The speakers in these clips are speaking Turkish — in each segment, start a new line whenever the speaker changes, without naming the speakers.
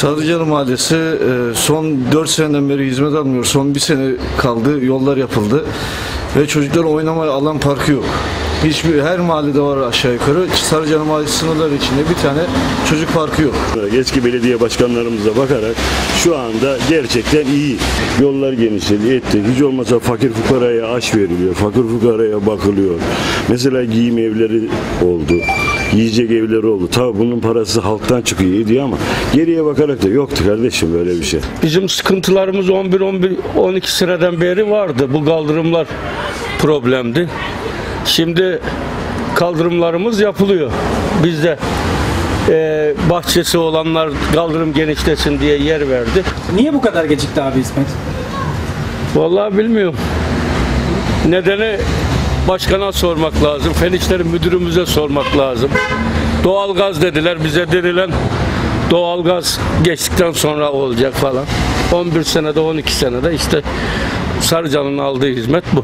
Sarıcalı Mahallesi son 4 seneden beri hizmet almıyor. Son bir sene kaldı, yollar yapıldı ve çocuklar oynamaya alan parkı yok. Her mahallede var aşağı yukarı. Sarıcalı Mahallesi sınırları içinde bir tane çocuk parkı yok.
Eski belediye başkanlarımıza bakarak şu anda gerçekten iyi. Yollar genişledi, etti. Hiç olmazsa fakir fukaraya aş veriliyor. Fakir fukaraya bakılıyor. Mesela giyim evleri oldu. Yiyecek evleri oldu. Tabii bunun parası halktan çıkıyor, iyi ama geriye bakarak da yoktu kardeşim böyle bir şey.
Bizim sıkıntılarımız 11-12 seneden beri vardı. Bu kaldırımlar problemdi. Şimdi kaldırımlarımız yapılıyor. Bizde bahçesi olanlar kaldırım genişlesin diye yer verdi.
Niye bu kadar gecikti abi hizmet?
Vallahi bilmiyorum. Nedeni başkana sormak lazım. Fen İşleri Müdürümüze sormak lazım. Doğalgaz dediler. Bize dediler doğalgaz geçtikten sonra olacak falan. 11 senede 12 senede işte Sarıcalı'nın aldığı hizmet bu.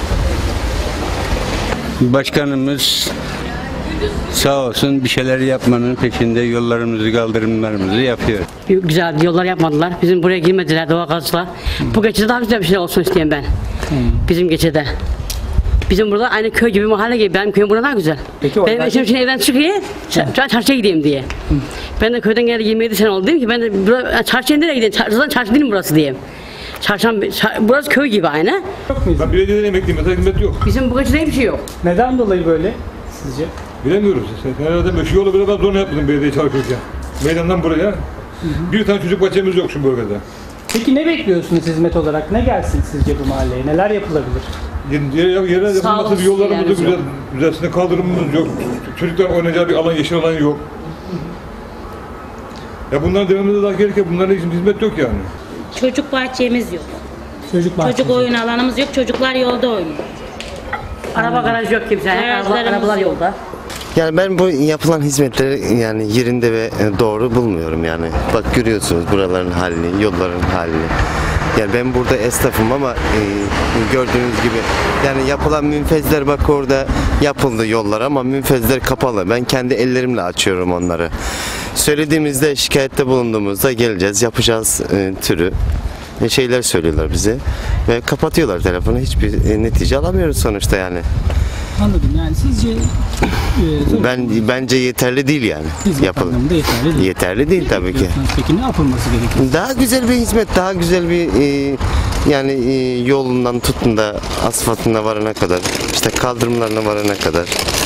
Başkanımız sağ olsun bir şeyler yapmanın peşinde, yollarımızı, kaldırımlarımızı yapıyor.
Güzel yollar yapmadılar. Bizim buraya girmediler doğalgazla. Bu geçide daha güzel bir şey olsun isteyen ben. Bizim geçide. Bizim burada aynı köy gibi, mahalle gibi. Benim köyüm burada daha güzel.
Peki,
benim eşim şimdi evden çıkıyor, çarşıya gideyim diye. Ben de köyden geleli 27 sene oldu, dedim ki ben de çarşıya nereye gideyim? Zaten çarşı değil mi burası diye. Burası köy gibi aynı.
Ben belediyeden emekliyim, mesela hizmet yok.
Bizim bu geçide bir şey yok.
Neden dolayı böyle sizce?
Bilemiyoruz. Herhalde şu yolu biraz zor yapmadım belediye çalışırken. Meydandan buraya. Bir tane çocuk bahçemiz yok şu bölgede.
Peki ne bekliyorsunuz hizmet olarak? Ne gelsin sizce bu mahalleye? Neler yapılabilir?
Yere yapılması bir yollarımız da güzelsinde kaldırımımız yok. Çocuklar oynayacağı bir alan, yeşil alan yok. Ya bunların devamında daha gerekir. Bunların için hizmet yok yani.
Çocuk bahçemiz yok.
Çocuk
Oyun alanımız yok. Çocuklar yolda oynuyor.
Araba garaj yok kimse. Arabalar yolda.
Yani ben bu yapılan hizmetleri yani yerinde ve doğru bulmuyorum yani. Bak görüyorsunuz buraların halini, yolların halini. Yani ben burada esnafım ama gördüğünüz gibi yani yapılan münfezler bak orada yapıldı yollar ama münfezler kapalı. Ben kendi ellerimle açıyorum onları. Söylediğimizde şikayette bulunduğumuzda geleceğiz, yapacağız türü şeyler söylüyorlar bize ve kapatıyorlar telefonu. Hiçbir netice alamıyoruz sonuçta yani.
Anladım. Yani sizce
Bence yeterli değil yani.
hizmet anlamında yeterli değil.
Yeterli değil tabii ki.
Peki ne yapılması gerekiyor?
Daha güzel bir hizmet, daha güzel bir yani yolundan tutun da asfaltına varana kadar, işte kaldırımlarına varana kadar